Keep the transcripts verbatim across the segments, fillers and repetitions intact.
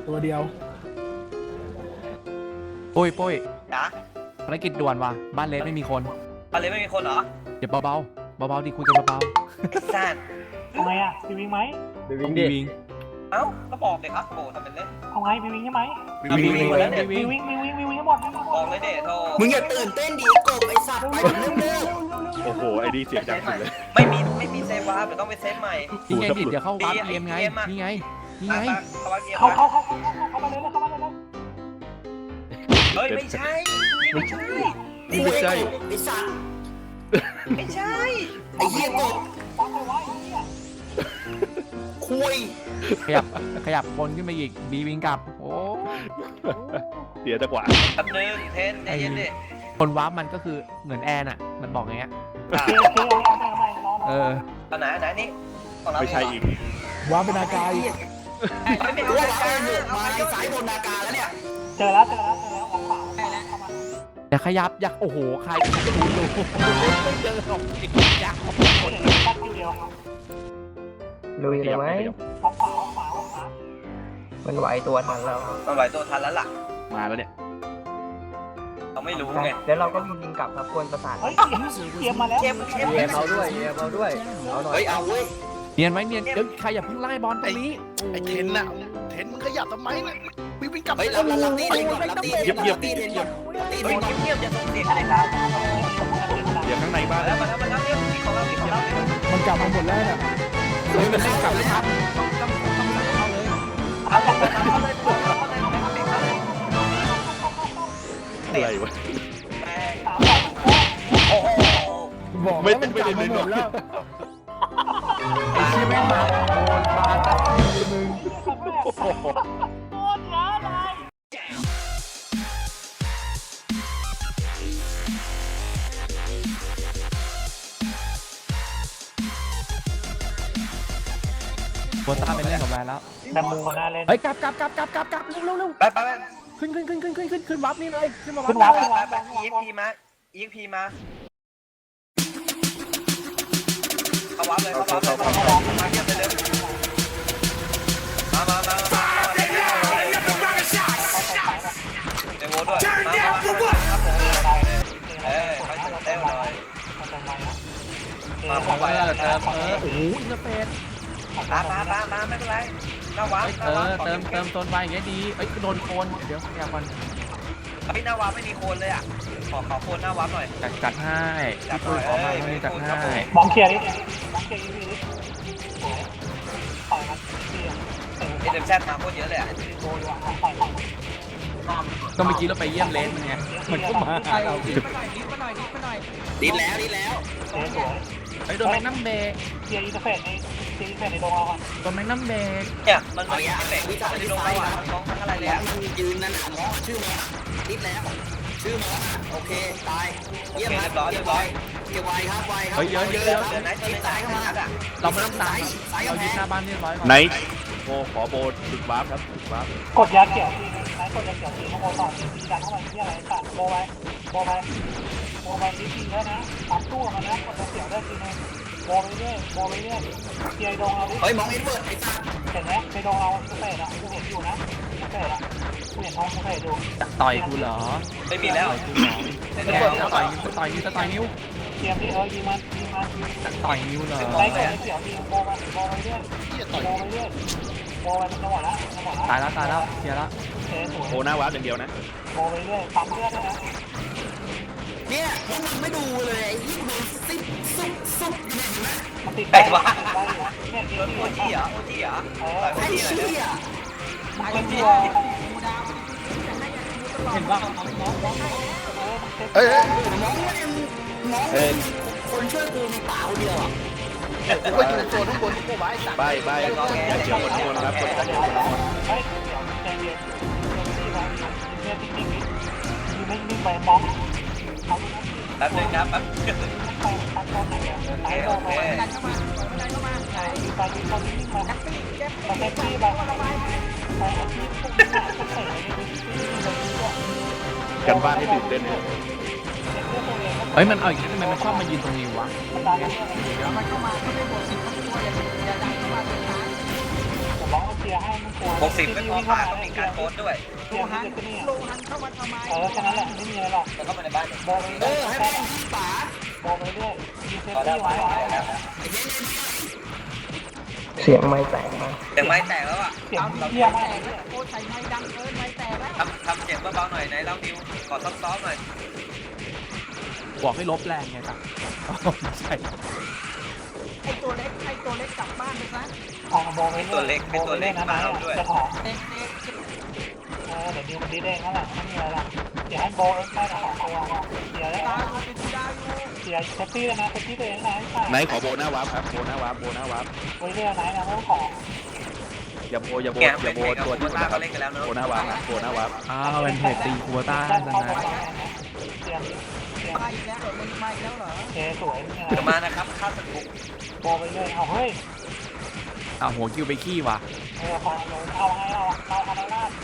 ตัวเดียวปุ้ยปุ้ยจ๋าภารกิจด่วนว่ะบ้านเลสไม่มีคนอะไรไม่มีคนเหรอเดี๋ยวเบาๆเบาๆดิคุยกันเบาๆซ่านเอาไงอ่ะบีวิงไหมบีวิงดิเอ้าก็บอกเลยครับโบทำเป็นเล่นเอาไงบีวิงใช่ไหมบีวิงบีวิงบีวิงบีวิงบีวิงให้หมดบอกเลยเด็ดโทมึงอย่าตื่นเต้นดิกบไอ้สัตว์ไปเร็วโอ้โหไอ้ดีเสียงดังสุดเลยไม่มีไม่มีเซฟวาร์ปเดี๋ยวต้องไปเซฟใหม่นี่ไงดิเดี๋ยวเข้าวาร์ปเกมไงนี่ไงนี่ไงเข้าเข้าเข้าเข้ามาเลยเข้ามาเลยเฮ้ยไม่ใช่ไม่ใช่ไม่ใช่ไอ้สัตว์ไม่ใช่ไอ้เหี้ยกบฟังไปไว้เหี้ยคุยขยับขยับบนขึ้นไปอีกบีวิงกลับโอ้เดี๋ยวจะกว่าแป๊บนึงเทนใจเย็นดิคนวาร์ปมันก็คือเหมือนแอนอ่ะมันบอกอย่างเงี้ยเออตอนไหนไหนนี่ไม่ใช่อีกวาร์ปเป็นอากาศไม่ไม่เอาอากาศมาสายบนอากาศแล้วเนี่ยเจอแล้วเจอแล้วเจอแล้วออกเปล่าเข้ามาอย่าขยับอย่าโอ้โหใครดูดูเจอหรอกอีกยักษ์ตัดคิวเดียวลุยเลยไหมออกเปล่าออกเปล่าออกเปล่ามันไหวตัวทันแล้วมันไหวตัวทันแล้วล่ะมาแล้วเนี่ยเราไม่รู้ไงแล้วเราก็มียิงกลับครับกวนประสาทเฮ้ยเตรียมมาแล้วเตรียมเตรียมเอาด้วยเอาด้วยเอาหน่อยเฮ้ยเอาเว้ยเนียนไว้เนียนเดี๋ยวใครอย่าเพิ่งไล่บอลตรงนี้ไอ้เทนน่ะเทนมึงขยับทำไมเนี่ยวิ่งวิ่งกลับเฮ้ยรับรับตีเทนก่อนรับตีเทนก่อนรับตีเทนก่อนตีเทนก่อนเงียบอย่าส่งเสียงอะไรครับเดี๋ยวข้างในบ้านแล้วมาแล้วมาแล้วเรียกของเราของเรามันกลับมาหมดแล้วเนี่ยเลยมันกลับเลยครับต้องต้องต้องเข้าเลยเอาเข้าเลยเข้าเลยเข้าเลยเข้าเลยอะไรวะโอ้โหบอกไม่มันกลับมาหมดแล้วไอ้เชี่ยแม่งมาโอนปาตัดมึงโบต้าไปเล่นกับแวนแล้วแบมบูกันหน้าเล่นเฮ้ยกลับกลับกลับกลับกลับกลับเร็วเร็วเร็วไปไปไปขึ้นขึ้นขึ้นขึ้นขึ้นขึ้นขึ้นวับนี่เลยขึ้นมาวับขึ้นวับขึ้นวับไปอีกพีมาอีกพีมาเข้าวับเลยเข้าวับเลยเข้าวับมาเยี่ยมเลยเร็วมามามาเดโวด้วยมามาครับผมเอ้ยไปเต้นหน่อยมาผมไปแล้วเติมเออโอ้โหอินเตอร์เฟซมามามามาไม่เป็นไรหน้าวาร์ปเออเติมเติมโซนไวอย่างเงี้ยดีเอ้ยโดนโคนเดี๋ยวอยากมันเฮ้ยหน้าวาร์ปไม่มีโคนเลยอ่ะขอขอโคนหน้าวาร์ปหน่อยจัดจัดให้จัดหน่อยขอมาให้จัดให้มองเคลียร์ดิมองเคลียร์อีพีดิต่อยมันเอเดมแซดมาโคตรเยอะเลยอ่ะก็เมื่อกี้เราไปเยี่ยมเลนไงมันก็มาเราดิดีแล้วดีแล้วไอ้โดนแมกนัมเบย์เคลียร์อินเตอร์เฟซในเคลียร์อินเตอร์เฟซในดงเราอ่ะโดนแมกนัมเบย์เนี่ยมันมันเฟซวิจารณ์ในดงเราอ่ะมองทั้งอะไรเลยอ่ะยืนนั่นหมอชื่อหมอนิดแล้วชื่อหมอโอเคตายเยี่ยมครับเรียบร้อยเรียบไวครับไวครับเฮ้ยเยอะเยอะเยอะเดินไหนตัวไหนสายเข้ามาเราไม่ต้องตายเรายึดหน้าบ้านเรียบร้อยก่อนไหนโบขอโบจุดวาร์ปครับจุดวาร์ปกดยาเขียวทีไหนกดยาเขียวทีข้างบนต่อทีดันเข้าไปที่อะไรตัดโบไปโบไปโบไปนิดทีแล้วนะตัดตู้มานะกดยาเขียวได้ทีนึงโบไปเรื่อยโบไปเรื่อยเคลียร์ดงเราดิเฮ้ยมองเอ็ดเวิร์ดไอ้สัสเห็นไหมในดงเราเฟซอ่ะกูเห็นอยู่นะเฟซอ่ะกูเห็นท้องเฟซดูต่อยกูเหรอไม่มีแล้วแกจะต่อยนิ้วต่อยนิ้วต่อยนิ้วเตรียมที่เออยิงมันยิงมันต่อยนิ้วเหรอไล่กดเขียวยิงโบไปโบไปเรื่อยโบไปเรื่อยโบไปเป็นจังหวะละจังหวะละตายแล้วตายแล้วเคลียร์แล้วโบหน้าวาร์ปอย่างเดียวนะโบไปเรื่อยปั๊มเลือดด้วยนะเนี่ยพวกมึงไม่ดูเลยไอ้ที่มึงซิปซุบซุบอยู่เนี่ยเห็นไหมมันติดไปวะเนี่ยโอทีเหรอโอทีเหรอไอ้เชี่ยมาเป็นตัวเห็นป่ะเอ้ยน้องเนี่ยน้องคนช่วยกูมีป่าคนเดียวอ่ะไปอยู่โซนข้างบนที่กูไว้ไปไปอย่าเฉียวคนคนครับคนกันอยู่คนคนเฮ้ยเดี๋ยวใจเย็นเนี่ยติ๊กติ๊กอยู่ไม่นิ่งไปมองแป๊บนึงครับแป๊บไปตัดโดนไหนอ่ะไหนโดนไปดันเข้ามาดันเข้ามาไหนไปยืนตรงนี้นิ่งมาไปเซ็กซี่ไปไปอาชีพพวกนี้พวกเตะเนี่ยกันบ้านให้ตื่นเต้นเลยเฮ้ยมันเอาอีกทำไมมันชอบมายืนตรงนี้วะมันเข้ามาไม่ได้บวกสิบตัวอย่าอย่าดันเข้ามาเป็นทางผมร้องเชียร์ร์ให้มันกลัวหกสิบไม่พอป่าต้องมีการโค้ดด้วยเกียร์ให้เด็กนี่โลหันเข้ามาทำไมเออแค่นั้นแหละไม่มีอะไรหรอกเข้ามาในบ้านโบไปเอเรื่อยอให้มันยิงป๋าโบไปเรื่อยมีเซฟพอแล้ตี้วพอไว้แล้วเสียงไม่แตกมาเสียงไม้แตกแล้วอ่ะเสียงเยี่ยมมากทำทำเสียงเบาๆหน่อยไหนเราดิวขอซ้อมๆหน่อยบอกให้ลบแรงไงครับอ๋อไม่ใช่ทางโบไปเรื่อยโบไปเรื่อยนะนะจะถอดเออเดี๋ยวดิวมันดีเด้งนั่นแหละไม่มีอะไรหรอกเดี๋ยวให้โบเอ็กซ์ได้ถอดตัวเดี๋ยวเดี๋ยวเซฟตี้เลยนะเซฟตี้ตัวเองนะไหนขอโบหน้าวาร์ปครับโบหน้าวาร์ปโบหน้าวาร์ปไปเรื่อยนะนะไม่ต้องขออย่าโบอย่าโบแกอย่าโบเป็นเด็กกับตัวคุที่ณมันตานะคเขารับเล่นกันแล้วเนอะโบหน้าวาร์ปนะโบหน้าวาร์ปอ้าวเป็นเพจตีคูต้าด้านซะเข้านะไปเตรียมเตรียมมาอีกแล้วมันมาอีกแล้วเหรอเอสวยนี่เดี๋ยวนะมานะครับข้าศึกบุกโบไปเรื่อยเอาเฮ้ยอ้าวหัวคิวไปขี้ว่ะเออพอเอาไงเอาเอาอะไรล่ะ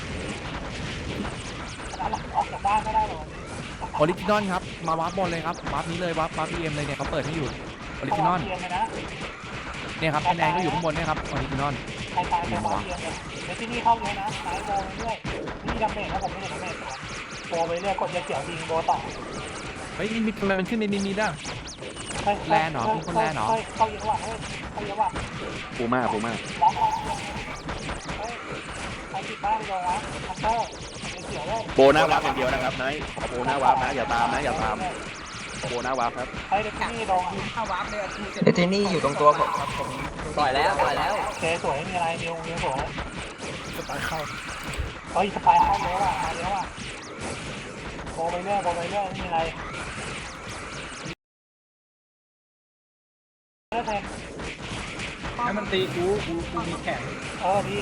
ออกจากบ้านไม่ได้หรอออริจินอลครับมาวาร์ปบอลเลยครับวาร์ปนี้เลยวาร์ปวาร์ปพีเอ็มเลยเนี่ยเขาเปิดให้อยู่ออริจินอลเตรียมเลยนะเนี่ยครับคะแนนก็อยู่ข้างบนเนี่ยครับออริจินอลใครตายไปบอลเตรียมเลยเดี๋ยวที่นี่เข้าเลยนะสายโบไปเรื่อยนี่ดาเมจนะผมไม่เห็นดาเมจโบไปเรื่อยกดยาเขียวยิงโบต่อเฮ้ยมีทำไมมันขึ้นในนี้มีได้เข้าเยอะว่ะเฮ้ยเข้าเยอะว่ะปูม่าปูม่าร้องเฮ้ยใครติดบ้านไปลงวะคันเตอร์เขียวเลยโบหน้าวาร์ปอย่างเดียวนะครับนายขอโบหน้าวาร์ปนะอย่าตามนะอย่าตามโบหน้าวาร์ปครับเฮ้ยเด็กที่นี่ลงเดตินี่อยู่ตรงตัวผมครับผมปล่อยแล้วปล่อยแล้วเจสวยมีอะไรนิวนิวสวยสปายเข้าเฮ้ยสปายเข้าเยอะว่ะมาเยอะว่ะโบไปเรื่อยโบไปเรื่อยไม่มีอะไรเลิกเถอะให้มันตีกูกูกูมีแข่งเออดี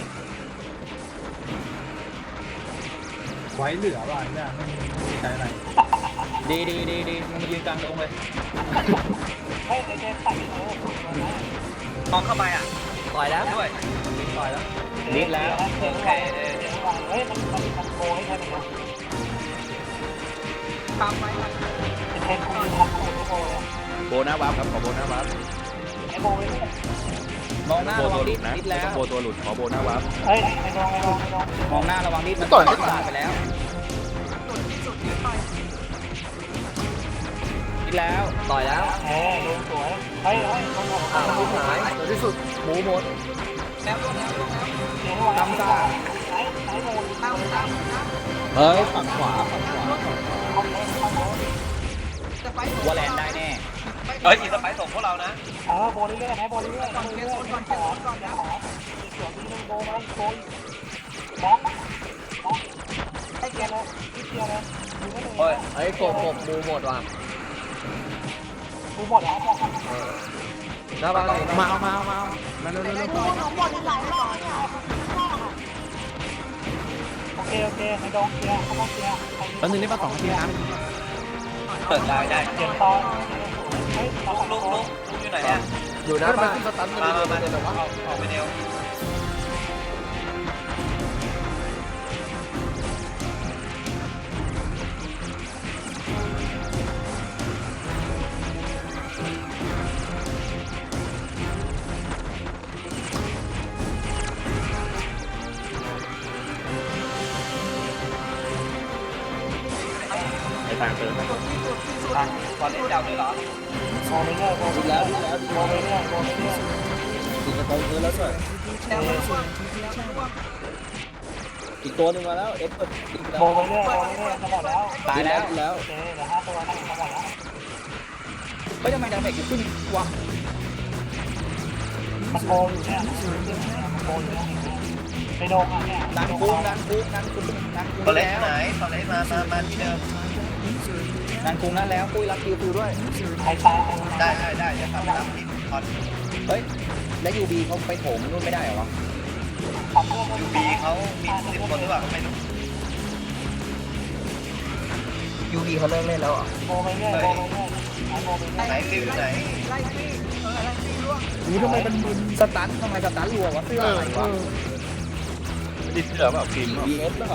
ไว้เหลือว่ะเนี่ยไม่มีไม่มีใช้อะไรดีดีดีดีมึงมายืนกลางตรงเลยเฮ้ยไอเจใส่เออมองเข้าไปอ่ะปล่อยแล้วด้วยต่อยแล้วนิดแล้วโอเคเฮ้ยมันมันมันโบให้แค่นี้ทำไว้เป็นเทนคุณทำคุณโบเลยโบหน้าวาร์ปครับขอโบหน้าวาร์ปไอโบไปเรื่อยมองหน้าโบระวัตัวงหลุดิดดนะดิดแล้วโบตัวหลุดขอโบหน้าวาร์ปเฮ้ยไม่ลงไม่ลงไม่ลงมองหน้าระวังดิดมันต่อยต่อยไปแล้วดิดแล้วต่อยแล้วเฮ้ยดูสวยเฮ้ยเฮ้ยลงลงอ้าวลูกหายตัวที่สุดหมูหมดทำซ่าไหนไหนโบทำทำเฮ้ยฝั่งขวาฝั่งขวาว่าแลนได้แน่เฮ้ยอีสไปส่งพวกเรานะเออโบเรื่อยๆไหนโบเรื่อยๆโบเรื่อยๆก่อนก่อนก่อนขอเดี๋ยวนี้โบไปโบมองมองให้แกเลยนิดเดียวเลยดูไม่เลยเฮ้ยเฮ้ยกบกบหมูหมดว่ะดูหมดแล้วบอกหน้าบ้านมาเอามาเอามาเอามาเร็วเร็วเร็วโอเคโอเคในดงเคลียร์เขาต้องเคลียร์ตอนนึงได้มาสองนาทีนะเปิดได้ได้เสียงตอนเฮ้ยเราลุกลุกลุกอยู่ไหนเนี่ยอยู่หน้าบ้านมามามาเอาออกไปเดียวในทางเติมขอเล่นเจ้าด้วยเหรอโบไปเรื่อยโบไปเรื่อยโบไปเรื่อยโบไปเรื่อยติดกระตุ้นพื้นแล้วด้วย อีกตัวหนึ่งมาแล้วเอ็กซ์เปิดอีกแล้โบวไปเรื่อยโบไปเรื่อยจะหมดแล้วตายแล้วแล้วโอเคเดี๋ยวห้าตัวนั่งจะหมดแล้วไม่ทำไมดาเมจขึ้นวะมันโบอยู่เนี่ยมันโบอยู่เนี่ยในดงอ่ะเนี่ยนันคุงนันคุงนันคุงนันคุงตอนเล่นไหนตอนเล่นมามามาที่เดิมนันคุงนั่นแล้วปุ้ยรับคิวฟิวด้วยใครตายได้ได้ได้จะทำตามที่คอนเฮ้ยแล้วยูบีเขาไปโถมนู่นไม่ได้เหรอวะทำเรื่องยูบีเขามีสิบคนหรือเปล่าไม่รู้ยูบีเขาเลิกเล่นแล้วอ่ะโบไปเรื่อยโบไปเรื่อยโบไปเรื่อยไหนฟิวอยู่ไหนกูทำไมมันมึนสตันทำไมสตันรัววะเสื้ออะไรวะไม่ได้เชื่อเปล่าฟิล์มบีเอสเปล่า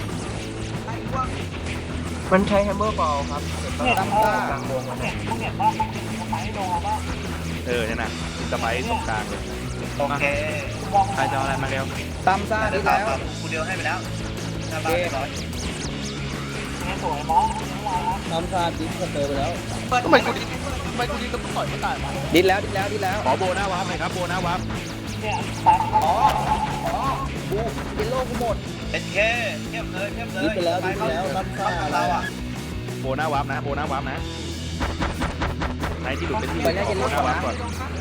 มันใช้แฮมเมอร์บอลครับเนี่ยตั้งซ่ากลางวงเนี่ยพวกเนี่ยว่าไปโดนว่าเออเนี่ยนะสไปซ์ตรงกลางเลยโอเคเมองใครจะเอาอะไรมาเร็วตามซ่าเดี๋ดียวแล้วกูเดียวให้ไปแล้วหน้าบ้านเรียบร้อยเนี่ยสวยมองมองนะตามซ่าดิ้นสเตอร์ไปแล้วทำไมกูดีทำไมกูดีกับต่อยไม่ตายมาดิ้นแล้วดิ้นแล้วดิ้นแล้วขอโบหน้าวาร์ปหน่อยครับโบหน้าวาร์ปเนี่ยตายอ๋ออ๋อบูเยลโล่กูหมดเอสเคเทียบเลยเทียบเลยดิ้นไปแล้วดิ้นไปแล้วตามซ่าเราอ่ะโบหน้าวาร์ปนะโบหน้าวาร์ปนะใครที่หลุดเป็นที่ขอโบหน้าวาร์ปก่อน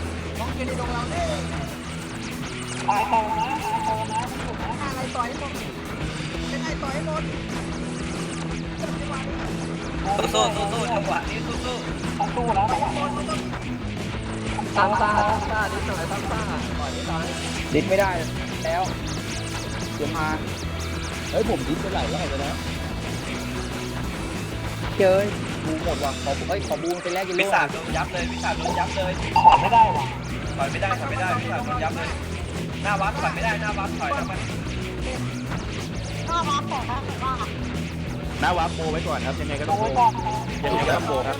ตายโตนะตายโตนะถูกนะอะไรต่อยหมดเป็นไอ้ต่อยหมดสู้สู้สู้จังหวะนี้สู้สู้ต้องสู้แล้วตามซ่าตามซ่าดิ้นหน่อยตามซ่าต่อยไม่ตายดิ้นไม่ได้แล้วเดี๋ยวมาเฮ้ยผมดิ้นไปหลายรอบแล้วนะเจอบูหมดว่ะขอเฮ้ยขอบูเป็นแรกเยลวิโล่สาโดนยับเลยวิสาโดนยับเลยขอไม่ได้ว่ะถอยไม่ได้ถอยไม่ได้วิสาโดนยับเลยหน้าวัดถอยไม่ได้หน้าวัดถอยแล้วมันหน้าวาร์ปโบไว้ก่อนครับยังไงก็โตต้องโบไว้ก่อนยังไงก็ต้องโบครับ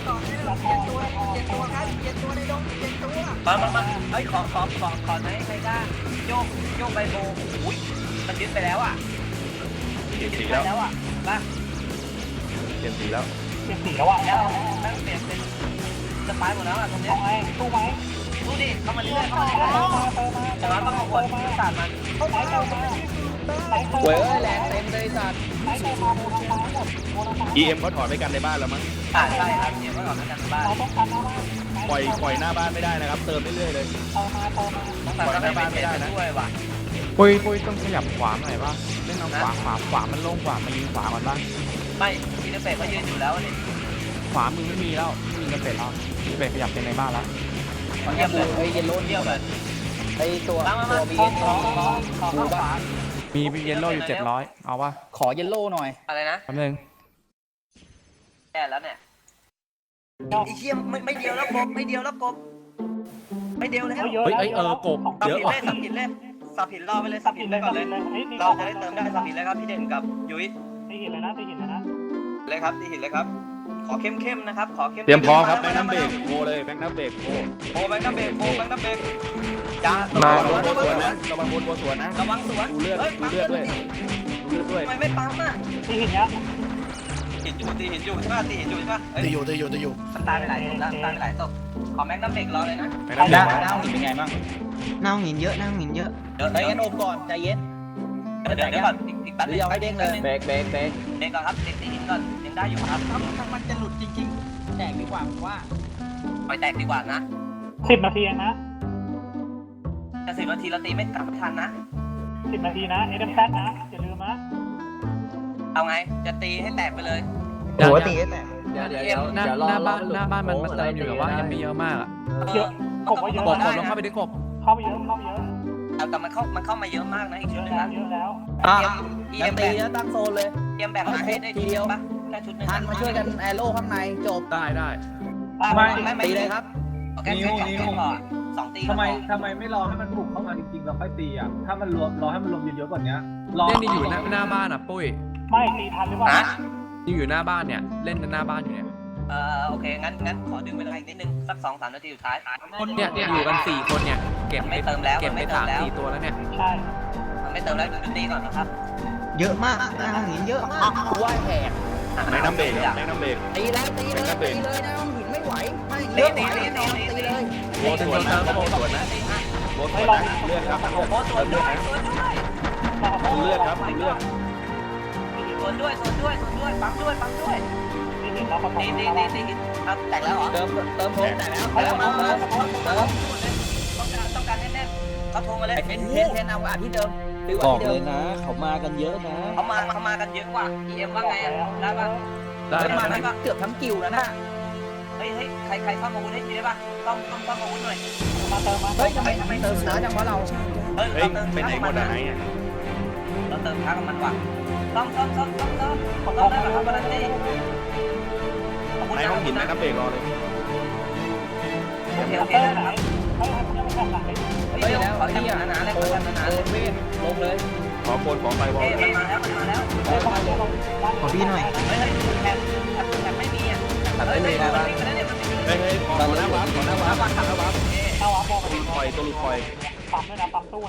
มามามาเฮ้ยขอขอขอขอไหนใครได้โยกโยกใบโบอุ้ยมันยึดไปแล้วอ่ะเปลี่ยนสีไปแล้วแล้วอ่ะมาเปลี่ยนสีแล้วเจ็บสีแล้วอ่ะแล้วแม่งเปลี่ยนเป็นสปายหมดแล้วอ่ะตรงเนี้เอาไงสู้ไหมดูดิเข้ามาเรื่อยๆเข้ามาเรื่อยๆเติมมาแต่ว่าต้องเอาคนศาสตร์มันไหนเติมมาไหนเติมเว้ยแรงเต็มเลยสัตว์ไหนเติมมาโมทางซ้ายหมดโมทางซ้ายอี เอ็มเขาถอดไว้กันในบ้านแล้วมั้งอ่าใช่ครับเดี๋ยวก็ออกมาจากบ้านเราต้องการหน้าบ้านปล่อยปล่อยหน้าบ้านไม่ได้นะครับเติมเรื่อยๆเลยเติมมาเติมมาต้องการหน้าบ้านไม่ได้นะด้วยว่ะปุ้ยปุ้ยต้องขยับขวาหน่อยป่ะเล่นเอาขวาขวาขวามันโล่งกว่ามายิงขวาก่อนป่ะไม่อินเตอร์เฟซเขายืนอยู่แล้วนี่ขวามือไม่มีแล้วไม่มีกระเป็ดแล้วกระเป็ดขยับเป็นในบ้านแล้วเยี่ยมเลยไอ้เยลโล่เยี่ยมเลยไอ้ตัวมามาตัมาวบีขอเอ็นขอขอขอข้าวฝามีเยลโล่อยู่เจ็ดร้อยเอาป่ะขอเยลโล่หน่อยอะไรนะแป๊บนึงแย่แล้วเนี่ยไอ้เชี่ยไม่ไม่เดียวแล้วกบไม่เดียวแล้วกบไม่เดียวแล้วเฮ้ยเอ้ยเออกบสับเยอะผิดว่ะเลยสับผิดเลยสับผิดรอไปเลยสับผิดไปก่อนเลยเราจะได้เติมได้สับผิดเลยครับพี่เด่นกับยุ้ยตีหินเลยนะตีหินเลยนะเลยครับตีหินเลยครับขอเข้มเข้มนะครับขอเข้มเตรียมพร้อมครับแบงค์น้ำเบรกโบเลยแบงค์น้ำเบรกโบโอ้แบงค์น้ำเบรกโอ้แบงค์น้ำเบรกจ้าระระวัวังงบนระสวนวันะงระวังบนบนสวนนะระวังสวนดูเลือดเฮ้ยดูเลือดด้วยดูเลือดด้วยทำไมไม่ปั๊มอ่ะตีหินเนี้ยตีหินอยู่ตีหินอยู่ใช่ป่ะตีหินอยู่ใช่ป่ะตีอยู่ตีอยู่ตีอยู่มันตายไปหลายศพแล้วตายไปหลายศพขอแม็กน้ำเบรกรอเลยนะแบงค์น้ำเบรกดาวหินเป็นไงบ้างหน้าหินเยอะหน้าหินเยอะเดี๋ยวเฮ้ยเดี๋ยวงั้นโอมก่อนใจเย็นเดี๋ยวเดี๋ยวก่อนอีกอีกแป๊บหรือเอาให้เด้งเลยเบรกเบรกเบรกเด้งก่อนครับติดตีหินก่อนยังได้อยู่ครับมันจะหลุดจริงแตกดีกว่าผมว่าปล่อยแตกดีกว่านะสิบนาทีเองนะจะสิบนาทีเราตีไม่กลับไม่ทันนะสิบนาทีนะเอ็มแซดนะอย่าลืมนะเอาไงจะตีให้แตกไปเลยๆหัวตีแต่เดี๋ยวเดี๋ยวเดี๋ยวหน้าเดี๋ยวรอหน้าบ้านรอหน้าบ้านมันมันเติมอยู่แต่ว่ายังไม่เยอะมากอะเยอะกบว่าเยอะกบกนะบลงเข้าไปดิกบเข้าไปเยอะเข้าไปเยอะแต่มันเข้ามันเข้ามาเยอะมากนะอีกเยชุดอะหนึงแล้วนะเยอะแล้วเตรียมเตรียัยงมตีแบ่งแล้วตั้งโซนเลยเตรียมแบ่งมาให้ได้ทีเดียวปะแค่ชุดหนึงทันมาช่วยกันแอโร่ข้างในจบได้ได้ไม่ไม่ไม่ตีเลยครับโอเคแค่สองตีก่อนสองตีทำไมทำไมไม่รอให้มันบุกเข้ามาจริงๆเราค่อยตีอ่ะถ้ามันรวมรอให้มันรวมเยอะๆกว่านี้รอเล่นนี่อยู่หน้าหน้าบ้านอ่ะปุ้ยไม่ตีทันหรือเปล่าฮะนี่อยู่หน้าบ้านเนี่ยเล่นหน้าบ้านอยู่เนี่ยเออโอเคงั้นงั้นขอดึงเวลาอีกนิดนึงสักสองสามนาทีสุดท้ายเนี่ยเนี่ยอยู่กันสี่คนเนี่ยเก็บไม่เติมแล้วเก็บไม่ไปเติสาม มแล้วสี่ตัวแล้วเนี่ยใช่มันไม่เติมแล้วจุดตีก่อนนะครับเยอะมากหน้าหินเยอะมากกูว่าแหกแบงค์น้ำเบรกครับแบงค์น้ำเบรกตีแล้วตีเลยตีเลยนะหินไม่ไหวไม่ตีเยอะตีไหวตีแน่ตีนอนตีตีตีเลยโบสวนนะโบสวนนะโบสวนนะเลือดครับโอ้โหสวนด้วยสวนด้วยดูเลือดครับดูเลือดสวนด้วยสวนด้วยสวนด้วยปั๊มด้วยปั๊มด้วยตีหินเราประกอบตีตีตีตีครับแตกแล้วเหรอเติมเติมโพสแต่แล้วเติเติมมมาเติมเติมเติมต้องการต้องการแน่นๆเขาโทรมาเลยเทนเทนเทนเอาอ่ะที่เดิมบอกเลยนะ เขามากันเยอะนะเขามาเขามากันเยอะกว่า อี เอ็ม ว่าไงได้ป่ะได้ได้ได้มาได้เกือบทั้งกิวแล้วนะเฮ้ยเฮ้ยใครใครซ่อมอาวุธให้ทีได้ป่ะต้องต้องซ่อมอาวุธหน่อยมาเติมมาเฮ้ยทำไมทำไมเติมช้าจังวะเราเฮ้ยเฮ้ยเราเติมไปไหนหมดอะไหนอ่ะเราเติมช้ากับมันว่ะซ่อมซ่อมซ่อมซ่อมซ่อมซ่อมได้ป่ะครับวันนั้นดิในห้องหินแบงค์น้ำเบรกรอเลยโอเคเติโอมเคเตอร์ไหนเฮ้ยยังไม่ทำหลังเลยเฮ้ยเฮ้ยเดี๋ยวแล้วขอไอ้จับเนี่ยหนาๆเลยโอขอจับหนาโอๆเลยเวนลงเลยขอโคนขอไฟวอลเฮ้ยเลยมันมาแล้วมันมาแล้วเฮ้ยมาเดี๋ยวเราขอพี่หน่อยเฮ้ยเฮ้ยแถบแถบแถบไม่มีอ่ะเฮ้ยเฮ้ยมันวิ่งไปแล้วเนี่ยมันวิ่งเฮ้ยเฮ้ยขอหน้าวาร์ปขอหน้าวาร์ปขอหน้าวาร์ปเข้าวับบอกตัวหลุดคอยตัวหลุดคอยปั๊มด้วยนะปั๊มตู้นะ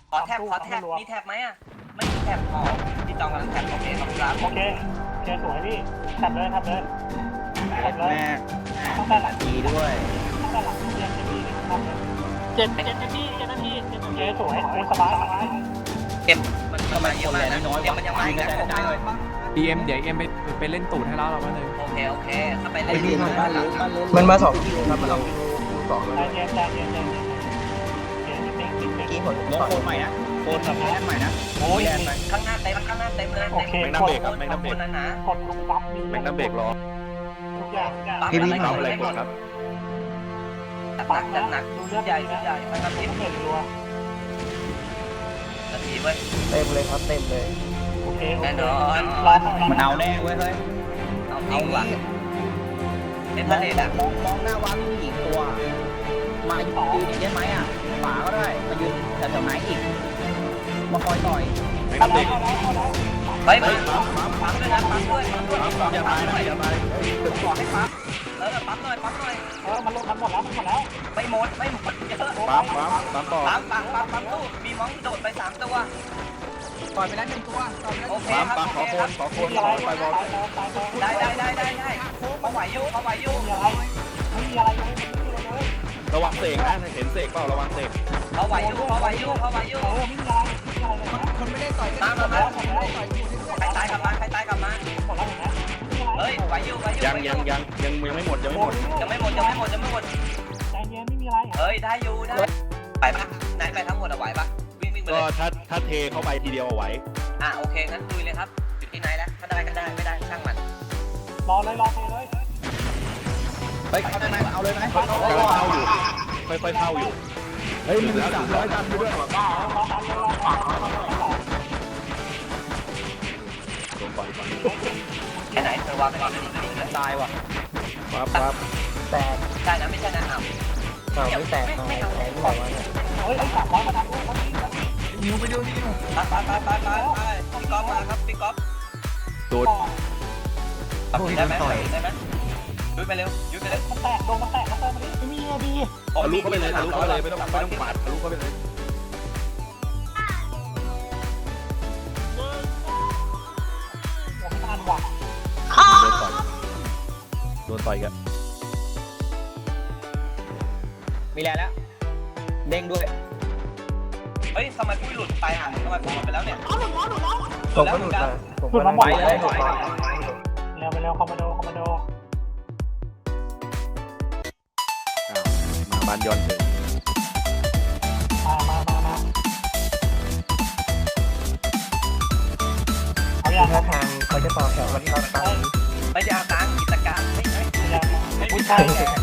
ขอแท็บขอแท็บมีแท็บไหมอ่ะไม่มีแท็บขอพี่จองกำลังแท็บโอเคขอบคุณครับโอเคโอเคสวยพี่ทำเลยทำเลยทำเลยแม่ตั้งแต่หลังดีด้วยตั้งแต่หลังเรียนจะมีทำเลยเจ็ดเจ็ดนาทีเจ็ดนาทีเจ็ดนาทีสวยโอ้สบายสบายเก็บมันประมาณเยอะมากนะเดี๋ยวมันยังมาอีกนะพีเอ็มเดี๋ยวเอ็มไปไปเล่นตูดให้แล้วเรามาเลยโอเคโอเคเข้าไปไอ้เล่นพี่ดีมันมามามันมาสองคิวครับมันเอาคิวสองเลยใจเย็นใจเย็นใจเย็นเย็นนิดนึงนิดนึเมื่งอกี้ผมลงโคนใหม่นะโคนกับแอนใหม่นะโอ้ยข้างหน้าเต็มข้างหน้าเต็มเลยโอเคแมงน้ำเบรกครับแมงน้ำเบรกนั้นนะกดลุงปั๊บมีแมงน้ำเบรกรอทุกอย่างทุกอย่างพี่พี่เอาอะไรกดครับหนักจัดหนักดูใหญ่ดูใหญ่มันนาทีเห็นรัวนาทีเว้ยเต็มเลยครับเต็มเลยโอเคแน่นอนรอมันเอาแน่เว้ยเฮ้ยเอาจริงว่ะเล่นทะเลอ่ะมองมองหน้าวัดผู้หญิงตัว มายืนอีกได้ไหมอ่ะฝาก็ได้มายืนแถวๆไหนอีกมาคอยต่อยแมงน้ำเบรกเฮ้ยมาปั๊มด้วยนะปั๊มด้วยปั๊มด้วยอย่ามานะอย่ามาขอให้ปั๊มเออปั๊มหน่อยปั๊มหน่อยเออมันลงมันหมดแล้วมันหมดแล้วไม่หมดไม่หมดเยอะปั๊มปั๊มปั๊มต่อปั๊มปั๊มปั๊มปั๊มตู้มีมองโดดไปสามตัวปล่อยไปแล้วหนึ่งตัวปล่อยไปแล้วโอเคปั๊มครับปั๊มโอขอเคโคคน รับขอโคนขอไปบอลได้ได้ได้ได้ได้เขาไหวอยู่เขาไหวอยู่มีอะไรไม่มีอะไรเลยไม่มีอะไรเลยระวังเสกนะเห็นเสกเปล่าระวังเสกเขาไหวอยู่เขาไหวอยู่เขาไหวอยู่เออไม่มีอะไรไม่มีอะไรเลยนะคนไม่ได้ต่อยมามามาใครตายกลับมาใครตายกลับมาหมดแล้วเห็นไหมไม่มีอะไรเฮ้ยไหวอยู่ไหวอยู่ยังยังยังยังยังไม่หมดยังไม่หมดยังไม่หมดยังไม่หมดยังไม่หมดใจเย็นไม่มีอะไรเฮ้ยได้อยู่ได้ไหวปะไหนไปทั้งหมดอะไหวปะวิ่งวิ่งไปก็เลยถ้าถ้าเทเข้าไปทีเดียวเอาไหวอ่ะโอเคงั้นลุยเลยครับอยู่ที่ไหนแล้วถ้าได้ก็ได้ไม่ได้ช่างมันรอเลยรอเลยไปเข้าได้ไหมเอาเลยไหมกำลังเข้าอยู่ค่อยๆเข้าอยู่เฮ้ยมันสามร้อยตันอยู่ด้วยรอทันเลยรอทันรอลงก่อนก่อนแค่ไหนเธอวางไปก่อนไม่ดีเลยตายว่ะปั๊บปั๊บแตกใช่นะไม่ใช่นะอ้าวเอาไม่แตกเอาแตกไม่บอกว่าเนี่ยเฮ้ยไอ้สามร้อยมาดันด้วยมาดิมาดินิวไปดูนิวไปไปไปไปไปพี่ก๊อฟมาครับพี่ก๊อฟโดนตัดได้ไหมได้ไหมยุดไปเร็วยุดไปเร็วมันแตกโดนมันแตกแล้วเติมมาดิไม่มีอะดีทะลุเข้าไปเลยทะลุเข้าไปเลยไม่ต้องไม่ต้องปาดทะลุเข้าไปเลยหัวไม่ทันว่ะโดนต่อยโดนต่อยกันมีแล้วแล้วเด้งด้วยเฮ้ยทำไมพี่หลุดไปอ่ะทำไมผมหลุดไปแล้วเนี่ยผมก็หลุดมาผมก็หลุดมาหลุดมาเร็วไปเร็วคอมมานโดคอมมานโดมาบ้านย้อนถึงมามามามาเอาอย่างท่าทางเขาจะต่อแถวกันครับตอนนี้ไม่ได้เอาตังค์กิจการไม่ใช่อย่างผู้ชาย